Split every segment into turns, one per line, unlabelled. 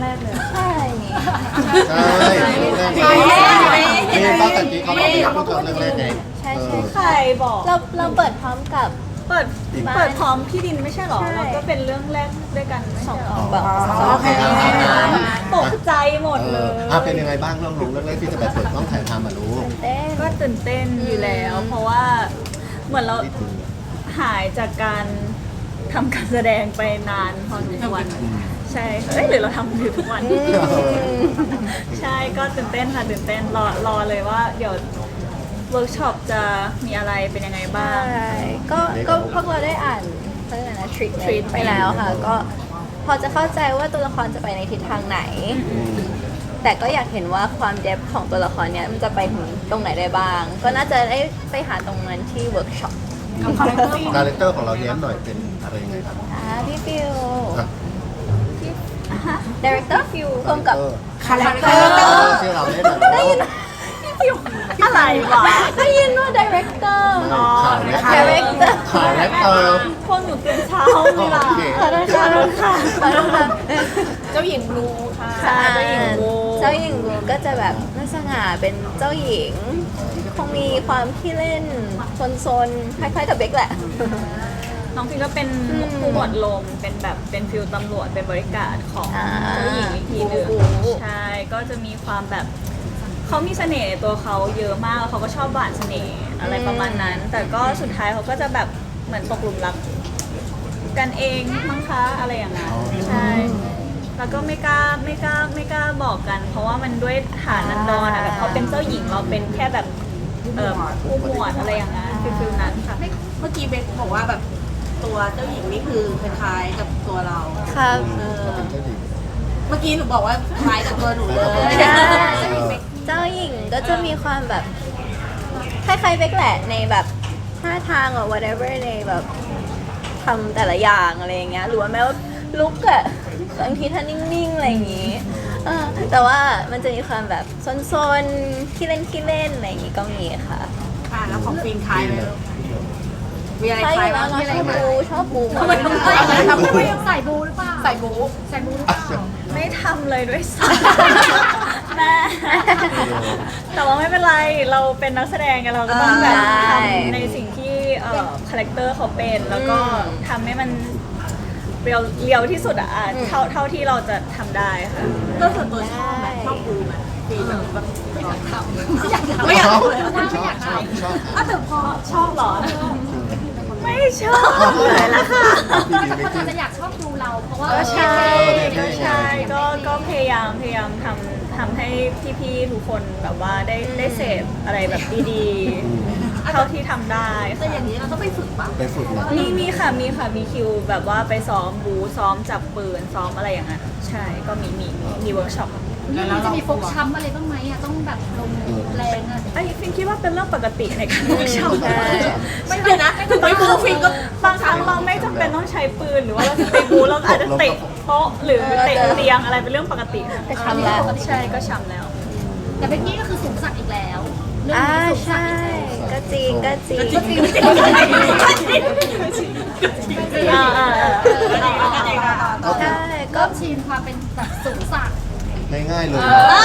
แรกเลย
ใช่
ใช่เรื่องแรกนี่ป้าตะกี้เขาบอกว่าพูดถึงเรื่องแรกไง
ใช่ใช่
ใครบอก
เราเปิดพร้อมกับ
เปิดพร้อมพี่ดินไม่ใช่หรอ
ใช่
แล้วก็เป็นเรื่องแรกด้วยกันไม่ใช่หรอ
แบบ
โอเค
ตกใจหมดเลย
เป็นยังไงบ้างเรื่องแรกที่จะแบบเปิดกล้องถ่ายทำอ่ะรู้
เต้น
ก็ตื่นเต้นอยู่แล้ว เพราะว่าเหมือนเราหายจากการทำการแสดงไปนานพอสมควรใช่หรือเราทำอยู่ทุกวัน ใช่ก็ตื่นเต้นค่ะตื่นเต้นรอเลยว่าเดี๋ยวเวิร์กช็อปจะมีอะไรเป็นยังไงบ้าง
ใช่ก็พวกเราได้อ่านเขาเรียกอะไรนะทริคไปแล้วค่ะ ก็พอจะเข้าใจว่าตัวละครจะไปในทิศทางไหน แต่ก็อยากเห็นว่าความเดฟของตัวละครเนี้ยมันจะไปถึงตรงไหนได้บ้าง ก็น่าจะได้ไปหาตรงนั้นที่เวิร์กช็อป
คาแรคเตอร์ของเราเนี้ยหน่อยเป็นอะไรยังไงครับ
พี่ฟิว
อ่ะ
ดีเรคเตอร์ฟิวร่วมกับ
คาแรคเตอร์ที่เราเล่นแบบ
ได้ยิน
อะไรวะ
ได้ยินว่าดีเรคเตอร์
ขาย
Director
ขายแรคเตอร์
พวกหนูตื่นเช้าไม่ล่ะ
โอเค
ขอโทษค่ะขอโทษค่ะ
เจ้าหญิงบลูค่ะ
ใช่
เจ้าหญิงบลู
เจ้าหญิงบลูก็จะแบบน่าสง่าเป็นเจ้าหญิง คงมีความขี้เล่นซนๆคล้ายๆกับเบคแหละ
น้องฟิวก็เป็นผู้หมวดลมเป็นแบบเป็นฟิลตำรวจเป็นบริการของ
อ่า
เจ้าหญิงอีกทีหนึ่ง
โอ้โห
ใช่ก็จะมีความแบบเขามีเสน่ห์ในตัวเขาเยอะมากแล้วเขาก็ชอบหวานเสน่ห์อะไรประมาณนั้น แต่ก็สุดท้ายเขาก็จะแบบเหมือนตกหลุมรักกันเองมั้งคะอะไรอย่างนั้นใช่แล้วก็ไม่กล้าบอกกัน เพราะว่ามันด้วยฐานันดรอะแบบเขาเป็นเจ้าหญิงเราเป็นแค่แบบผู้หมวดอะไรอย่างนั้นฟิลนั้นค่ะ
เมื่อกี้เบคบอกว่าแบบตัวเจ้าหญิงนี่คือคล้ายๆกับตัวเรา
ครับ
เป็นเจ้าหญิง
เมื่อกี้หนูบอกว่าคล้ายกับตัวหนูเลย
ใช่เจ้าหญิงก็จะมีความแบบคล้ายๆเบคแหละในแบบท่าทางหรือ whatever ในแบบทำแต่ละอย่างอะไรอย่างเงี้ยหรือว่าแม้ว่าลุกอะบางทีท่านิ่งๆอะไรอย่างงี้แต่ว่ามันจะมีความแบบซนๆขี้เล่นอะไรอย่างงี้ก็มีค่ะ
ค่ะแล้วของฟินคล้ายไหมลูกมีอะไร
ใช่
คล้าย
แล้
บ้าว ง
เนาะชอบบูหมด
ทำไม
ใส่บูหรือเปล่า
ใส่บู๊
ใส่บูหรือเปล่า
ไม่ทำเลยด้วยซ้ำแม่แต่ว่าไม่เป็นไรเราเป็นนักแสดงไงเราก็ต้องแบบทำในสิ่งที่คาแรคเตอร์เขาเป็นแล้วก็ทำให้มันเรียวที่สุดอะเท่าที่เราจะทำได้ค่ะ
ก็ส่วนตัวชอบไหมชอบบู๊ไหมฟินแบบไม่อยากทำไม่
ช
อยาก
อบ
ทำเลย
ชอบ
อ่ะแต่พอ
ชอบเหรอ ไม่ชอบเลยละค่ะ
คนอาจจะอยากชอบดูเรา เพราะว่า
ก็ใช่
ก็
ก็
ใช่
ใช่ก็พยายามทำให้พี่ๆทุกคนแบบว่าได้เสพอะไรแบบดีๆเท่าที่ทำได้
แต่อย่างนี้เราต้องไปฝึกป่ะ
ไปฝึกนะ
มีคิวแบบว่าไปซ้อมบูซ้อมจับปืนซ้อมอะไรอย่างเงี้ยใช่ก็มีเวิร์กช็อป
นี่จะมีฟกช้ำอะไรบ้างไหมอะต้องแบบลงแรงอะ
ไอ้ฟินคิดว่าเป็นเรื่องปกติในการเวิร์กช็อป
ไม่เลยนะถึงไม่บู๊ฟินก็
บางครั้งเราไม่จำเป็นต้องใช้ปืนหรือว่าเราจะไปบูเราอาจจะเตะโต๊ะหรือเตะเตียงอะไรเป็นเรื่องปกติ
ก็ช้ำแล้ว
ใช่ก็ช้ำแล้ว
แต่เบกกี้ก็คือสูงสักดิ์อีกแล้ว เรื่องนี้สูงสัก
ใช่
ดิ์อีกแล้ว
ก็จริง ใช่ก็
ก็ชินความเป็นแบบสูงสักดิ์
ง่ายๆเลย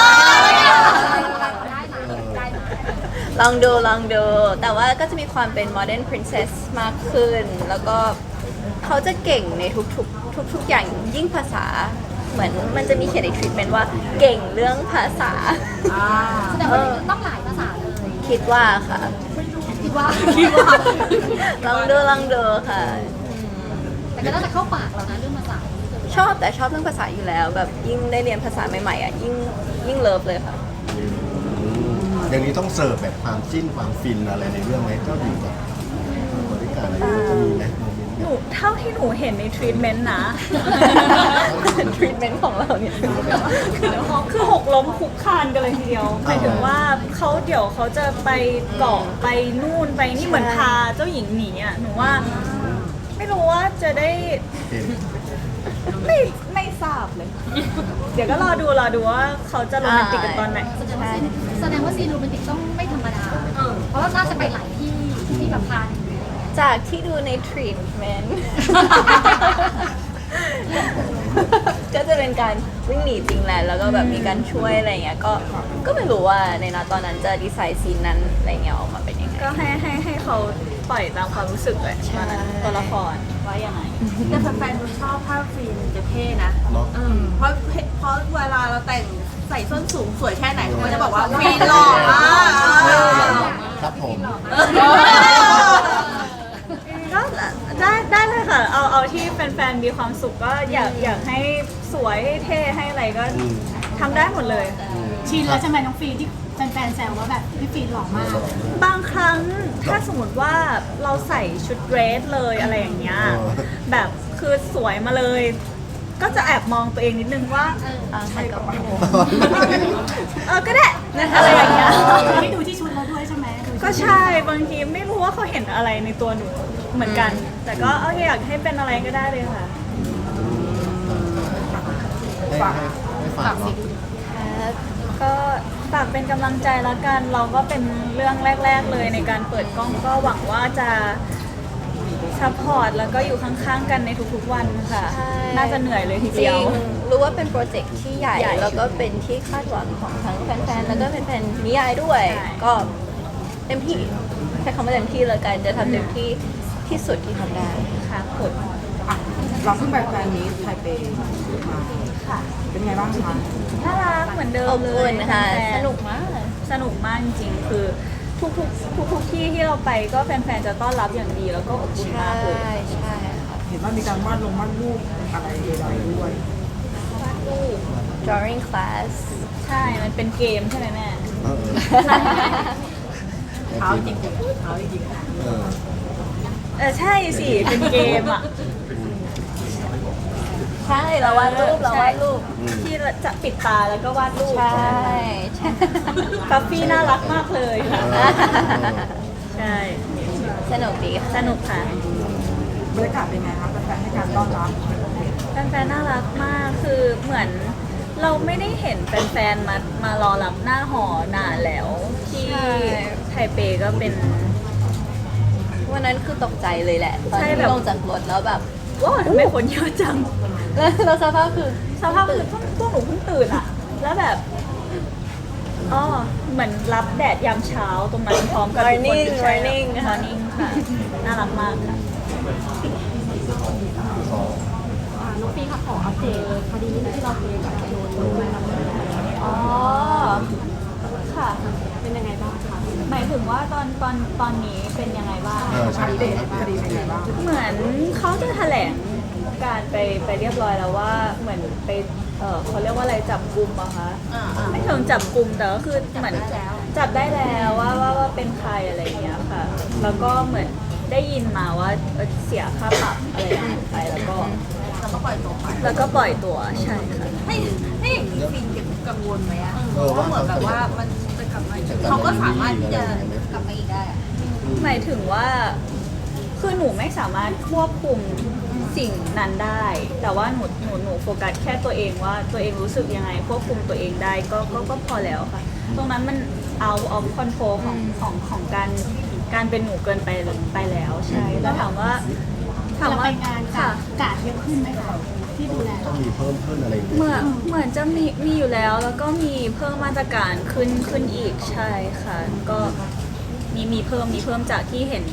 ได้นะได้นะ
ลองดู แต่ว่าก็จะมีความเป็น modern princess มากขึ้น แล้วก็เขาจะเก่งในทุกอย่างยิ่งภาษา เหมือนมันจะมีเขียนในทริปเป็นว่าเก่งเรื่องภาษา
แสดงว่าต้องหลายภาษาเลย
คิดว่าค่ะ
คิดว่า
ลองดูค่ะอืม
แต่ก็น่าจะเข้าปากเรานะเรื่องภาษา
ชอบเรื่องภาษาอยู่แล้ว แบบยิ่งได้เรียนภาษาใหม่ๆอ่ะยิ่งเลิฟเลยค่ะ
อย่างนี้ต้องเสิร์ฟแบบความจิ้นความฟินอะไรในเรื่องไหมเจ้าหญิงกับบริการอะไรจะมีไหมโมเมนต์
หนูเท่าที่หนูเห็นในทรีทเมนต์นะ
ทรีทเมนต์ของเราเนี่ย
คือหกล้มคุกคานกันเลยทีเดียวหมายถึงว่าเดี๋ยวเขาจะไปเกาะไปนู่นไปนี่เหมือนพาเจ้าหญิงหนีอ่ะหนูว่าไม่รู้ว่าจะได้
เห็น
ไม่ทราบเลย เดี๋ยวก็รอดูว่าเขาจะโรแมนติกกันตอนไหน
แสดงว่าซีนโรแมนติกต้องไม่ธรรมดา เพราะว่าน่าจะไปหลายที่แบบพาหนี
จากที่ดูในทรีทเมนต์ก็จะเป็นการวิ่งหนีจริงแหละแล้วก็แบบมีการช่วยอะไรเงี้ยก็ไม่รู้ว่าในตอนนั้นจะดีไซน์ซีนนั้นอะไรเงี้ยออกมาเป็นยังไง
ก็ให้เขาปล่อยตามความรู้สึกเลยตอนนั้นตัวละครว่ายังไง
แต่แฟนๆดูชอบภาพฟินจะเท่นะ
เนาะ
เพราะเวลาเราแต่งใส่ส้นสูงสวยแค่ไหนเขาก็จะบอกว่าฟินหล่อมาก
ครับผม
ก็ได้เลยค่ะ เอาที่แฟนๆมีความสุขก็อยากให้สวยให้เท่ให้อะไรก็ทำได้หมดเลย
ชินแล้วใช่ไหมน้องฟีนที่แฟนๆแซวว่าแบบพี่ฟีนหล่อมาก
บางครั้งถ้าสมมติว่าเราใส่ชุดเดรสเลยอะไรอย่างเงี้ยแบบคือสวยมาเลย ก็จะแอบมองตัวเองนิดนึงว่า
ใช่กับ
ก็ได้อะไรอย่างเงี้ย
ไม่ดูที่ชุดเราด้วยใช่ไหมดูที่
ก็ใช่บางทีไม่รู้ว่าเขาเห็นอะไรในตัวหนูเหมือนกัน แต่ก็อยากให้เป็นอะไรก็ได้เลยค่ะ
ให้ฝากเนาะ
ครับ
ก็ฝากเป็นกำลังใจแล้วกัน เราก็เป็นเรื่องแรก ๆเลยในการเปิดกล้องก็หวังว่าจะซัพพอร์ตแล้วก็อยู่ข้างๆกันในทุกๆวันค่ะ
ใช่
น่าจะเหนื่อยเลยที
จ
เดี
ริ
ยว
งรู้ว่าเป็นโปรเจกต์ที่ใหญ่
ใหญ่
แล้วก็เป็นที่คาดหวังของทั้งแฟนๆแล้วก็แฟนๆนิยายด้วย
ใช่
ก็เต็มที่ใช้คำว่าเต็มที่เลยกันจะทำเต็มที่ที่สุดที่ทำได้
ค่ะผล
เราเพิ่งไปแฟนมีตไทเปมา
ค่ะ
เป็นไงบ้างคะ
น่ารักเหมือนเดิ
อ
ม
บ
เล
อุ่
ย
นค่ะ
แฟนๆ
สนุกมาก
สนุกมากจริงๆคือทุกที่ที่เราไปก็แฟนๆจะต้อนรับอย่างดีแล้วก็อบอุ่น
ใช่
มากเลย
ใช่ค่ะ
เห็นว่ามีการวาดรูปอะไรใดๆด้วย
วาดรูป
drawing class
ใช่ มันเป็นเกมใช่ไหมแม่
เท้าจริงเท้าจริง
ใช่สิ เป็นเกมอ่ะ
ใช่เราวาดรูปเราวาดรูป
ที่จะปิดตาแล้วก็วาดรูป
ใช่ใช่
กัฟฟี่น่ารักมากเลยค่ะ ใช่
สนุกดีค่ะ
สนุกค่ะ
บรรยากาศเป็นไงคะแฟนๆให้การต้อนรับ
แฟนๆน่ารักมาก คือเหมือนเราไม่ได้เห็นแฟนๆมารอรับหน้าหอนานแล้ว ที่
ใช่
ไทเปก็เป็น
วันนั้นคือตกใจเลยแหละตอน
ใช่
ที่
แบบ
ลงจากรถแล้วแบบ
ว้าวทำไมคนเยอะจัง
แล้วสภาพคือ
สภาพคือพวกหนูเพิ่งตื่นอะแล้วแบบอ๋อเหมือนรับแดดยามเช้าตรงนั้นพร้อมกับทุกคน
Morning
ใช่
Morning ค่ะ
Morning ค่ะ น่ารักมากค่ะ
น้องฟีค่ะขออัปเดตคดีนี้ที่เราเคยแบบโดนไปแล้ว
อ๋อ ค่ะ
เป็นยังไงบ้างคะ
หมายถึงว่าตอนนี้เป็นยังไงบ้าง
ใช่
คดีเป็นไงบ้าง
เหมือนเขาจะแถลงการไปเรียบร้อยแล้วว่าเหมือนไปเขาเรียกว่าอะไรจับกุมอะคะ ไม่ถึงจับกุมแต่ก็คือเหมือนจับได้แล้วว่าเป็นใครอะไรอย่างเงี้ยค่ะ แล้วก็เหมือนได้ยินมาว่าเสียค่าปรับอะไรอย่างเงี้ยไปแล้วก็
แล้วก็ปล่อยตัวไป
แล้วก็ปล่อยตัวใช่ค่ะ
ให้อย่างนี้ฟินกังวลไหมอะ
ว่า
เหมือนแบบว่ามันจะกลับมาเขาก็สามารถที่จะกลับมาอีกได้อะ
หมายถึงว่าคือหนูไม่สามารถควบคุมสิ่งนั้นได้ แต่ว่าหนูโฟกัสแค่ตัวเองว่าตัวเองรู้สึกยังไงควบคุมตัวเองได้ก็พอแล้วค่ะ ตรงนั้นมันเอาคอนโทรลของการเป็นหนูเกินไปแล้วใช่แล้วถามว่า
เราไปงาน
ค่ะ
กาดเยอะขึ้นไหมคะที่ดูแล
ต้องมีเพิ่มขึ้นอะไรอย่างเงี้ย
เหมือนจะมีอยู่แล้วแล้วก็มีเพิ่มมาตรการขึ้นอีกใช่ค่ะ ก็มีเพิ่มจากที่เห็น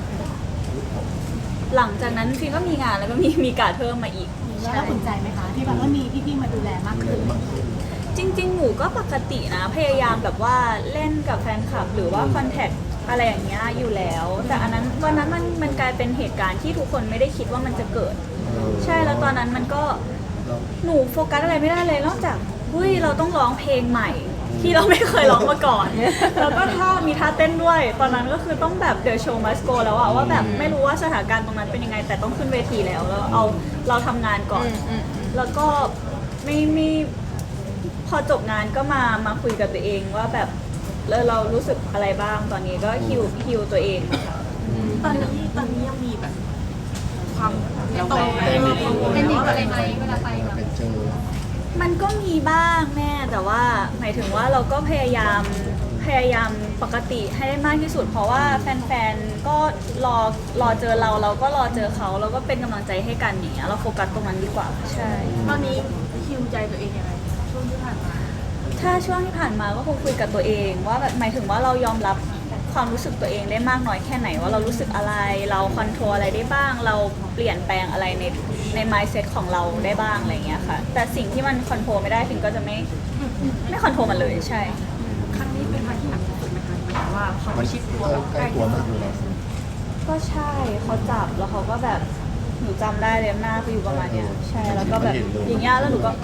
หลังจากนั้นฟิล์มก็มีงานแล้วก็มีการเพิ่มมาอีก
แล้วเราภูมิใจไหมคะที่แบบว่ามีพี่ๆมาดูแลมากขึ้น
จริงๆ หนูก็ปกตินะ พยายามแบบว่าเล่นกับแฟนคลับ หรือว่าคอนแทคอะไรอย่างเงี้ยอยู่แล้ว แต่อันนั้นวันนั้นมันกลายเป็นเหตุการณ์ที่ทุกคนไม่ได้คิดว่ามันจะเกิด ใช่แล้วตอนนั้นมันก็หนูโฟกัสอะไรไม่ได้เลยนอกจากเฮ้ยเราต้องร้องเพลงใหม่ ที่เราไม่เคยร้องมาก่อน แล้วก็มีท่าเต้นด้วย ตอนนั้นก็คือต้องแบบ The Show Must Go แล้วอะว่าแบบไม่รู้ว่าสถานการณ์ตรงนั้นเป็นยังไง แต่ต้องขึ้นเวทีแล้วเราทำงานก่อน แล้วก็ไม่พอจบงานก็มาคุยกับตัวเองว่าแบบเรารู้สึกอะไรบ้างตอนนี้ก็ฮิวตัวเองค่ะ
ตอนนี้ยังมีแบบความไม่ตรง
เป็นเด็กอะไรไหมเวลาไปแบบ
เป็นเจอ
มันก็มีบ้างแม่แต่ว่าหมายถึงว่าเราก็พยายามพยายามปกติให้ได้มากที่สุด เพราะว่าแฟนๆก็รอเจอเราก็รอเจอเขาแล้วก็เป็นกำลังใจให้กันอย่างเงี้ยเราโฟกัสตรงนั้นดีกว่าใช่
ตอนนี้คิวใจตัวเองยังไงช่วงที่ผ่านมา
ถ้าช่วงที่ผ่านมาก็คงคุยกับตัวเองว่าแบบหมายถึงว่าเรายอมรับความรู้สึกตัวเองได้มากน้อยแค่ไหนว่าเรารู้สึกอะไรเราคอนโทรลอะไรได้บ้าง เราเปลี่ยนแปลงอะไรใน mindset ของเราได้บ้างอะไรเงี้ยค่ะแต่สิ่งที่มันคอนโทรลไม่ได้พิมก็จะไม่คอนโทรลมันเลยใช่
ครั้งนี้เป็นครั้งที่หนักที่สุดไหมคะหมายถึงว่าเขา
มัน
ชิดตัว
ใกล้ตัวมากเลยนะ
ก็ใช่เขาจับแล้วเขาก็แบบหนูจำได้เลยหน้าเขาอยู่ประมาณเนี้ยใช่แล้วก็แบบอย่างเงี้ยแล้วหนูก็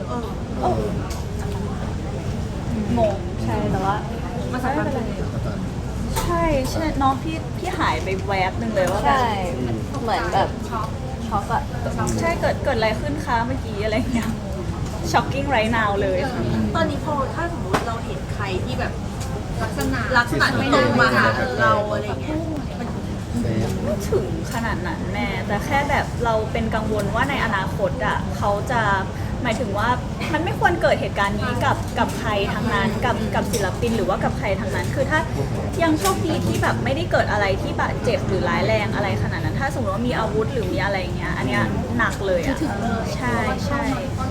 งงใช่แต่ว่าไม่เป็นไรใช่ใช่น้องพี่หายไปแวบหนึ่งเลยว่าแบบ
ใช่เหมือนแบบช็อกอะ
ใช่เกิดอะไรขึ้นคะเมื่อกี้อะไรเงี้ย shocking right now เลยค่ะ
ตอนนี้พอถ้าสมมติเราเห็นใครที่แบบ
ลักษณะ
ลักษณะที่ตรงมาหาเราอะไรเงี้ย
เซฟ
ไม่ถึงขนาดนั้นแม่แต่แค่แบบเราเป็นกังวลว่าในอนาคตอ่ะเขาจะหมายถึงว่ามันไม่ควรเกิดเหตุการณ์นี้กับใครทั้งนั้นกับศิลปินหรือว่ากับใครทั้งนั้น คือถ้ายังโชคดีที่แบบไม่ได้เกิดอะไรที่บาดเจ็บหรือร้ายแรงอะไรขนาดนั้น ถ้าสมมติว่ามีอาวุธหรือมีอะไรอย่างเงี้ยอันเนี้ยหนักเลยอ่ะใช่ใช่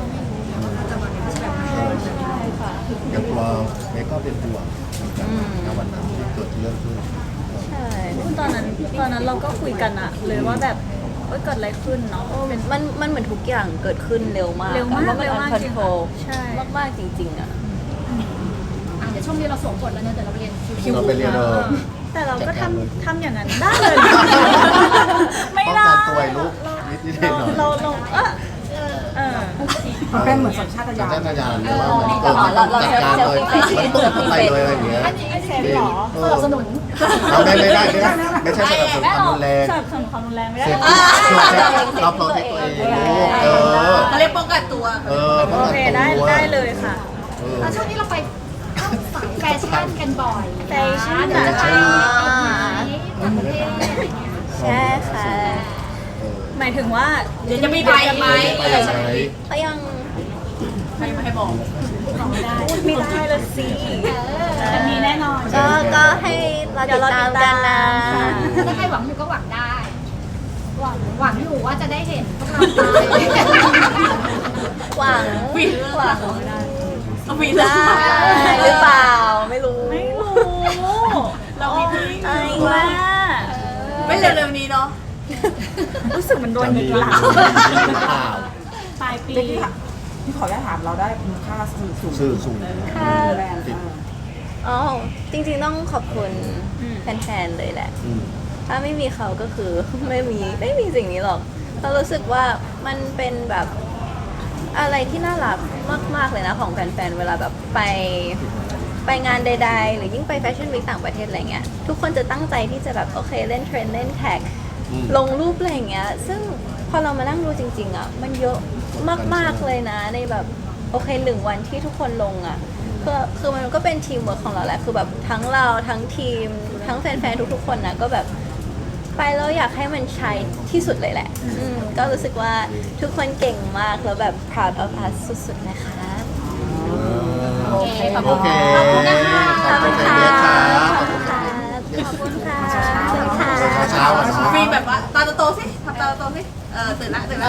ใช่ค่ะ
อย่างตัวเมย์ก็เป็นห่วงในวันนั้นที่เกิดเรื่องขึ้น
ใช่
ตอนนั้นเราก็คุยกันอะเลยว่าแบบเกิดอะไรขึ้นเนาะเป็น
มันเหมือนทุกอย่างเกิดขึ้นเร็วมาก
เร็วมาก
แล้วมัน
เร็ว
อัน
มาก
คอน
จริง
โทรล
ใช่
มากๆจริงๆอะ
เดี๋ยวช่วงนี้เราสวมบทแล้วเนี่ยเดี๋ยวเราไปเรียนคิว
เราไปเรียน
แต่เราก็ทำอย่างนั้นได้เลย ไม่
ป้อง
ได้
กันตัวไอ้ลูกนิดๆหน่อย
เราเออ
มันเป็นเหมือนสัญชาต
สัญ
ญาณ
ชาตญาณว่ามันจัดการเลยมันตุ้มไปเลยอะไรอย่างเงี้ย
ไอเซฟเหรอ
สนับสนุน
เราไม่ได้ไม่ใช่สนับสนุน
แม่
ความ
เรา
รุนแรง
สนับสนุนความรุนแรงไม่ได้
เซฟ
หรอก
เราโปรเทคตัวเองลูก
เขาเรียกป้องกันตัว
โอเคได้เลยค่ะ
แล้วช่วงนี้เราไปเข้าสายแฟชั่นกันบ่อย
แฟชั่น
เดี๋ยวจะไปอีกไหมต่างประเทศอะไรเงี้ย
ใช่ค่ะ
หมายถึงว่า
เดี๋ยวจะมีไปไหม
ไปไหน
ก็ยัง
ไม่ให้บอก
ไม่ได้ละสิจะมีแน่นอน
ก็ให้เราติดตามกันนะ
ถ้าใครหวังอยู่ก็หวังได้ หวังอยู่ว่าจะได้เห็นพวกเราไป
หวัง
วิน
หวัง
เอาวิน
ได้หรือเปล่าไม่รู้
ไม่รู้
เรามีที่
ไอ้
ว่า
ไม่เร็วๆนี้เนาะ
รู้สึกมันโดนยิงหลัง
ข่าว
ปลายปี
ที่ขออนุญาตถามเราได้มูลค่าสื่อสูง
สื่อสูง
ค่ะ
แบรนด์
อ๋อจริงๆต้องขอบคุณแฟนๆเลยแหละ ถ้าไม่มีเขาก็คือ ไม่มีสิ่งนี้หรอกเรารู้สึกว่ามันเป็นแบบอะไรที่น่ารักมากๆเลยนะของแฟนๆเวลาแบบไปงานใดๆ หรือยิ่งไปแฟชั่นวีคต่างประเทศอะไรเงี้ยทุกคนจะตั้งใจที่จะแบบโอเคเล่นเทรนด์เล่นแท็กลงรูปอะไรอย่างเงี้ยซึ่งพอเรามานั่งดูจริงๆอ่ะมันเยอะมากๆเลยนะในแบบโอเค1 วันที่ทุกคนลงอ่ะคือมันก็เป็นทีมเวิร์คของเราแหละคือแบบทั้งเราทั้งทีมทั้งแฟนๆทุกๆคนนะก็แบบไปแล้วอยากให้มันใช้ที่สุดเลยแหละก็รู้สึกว่าทุกคนเก่งมากแล้วแบบ proud of us สุดๆนะคะ
โอเค
ขอบคุณนะคะ
ขอบคุณค่ะขอบคุณค่ะ
ขอบคุณค่ะ
เช้าๆ
มีแบบว่าตาโตๆสิทำตาโตๆสิตื่นละ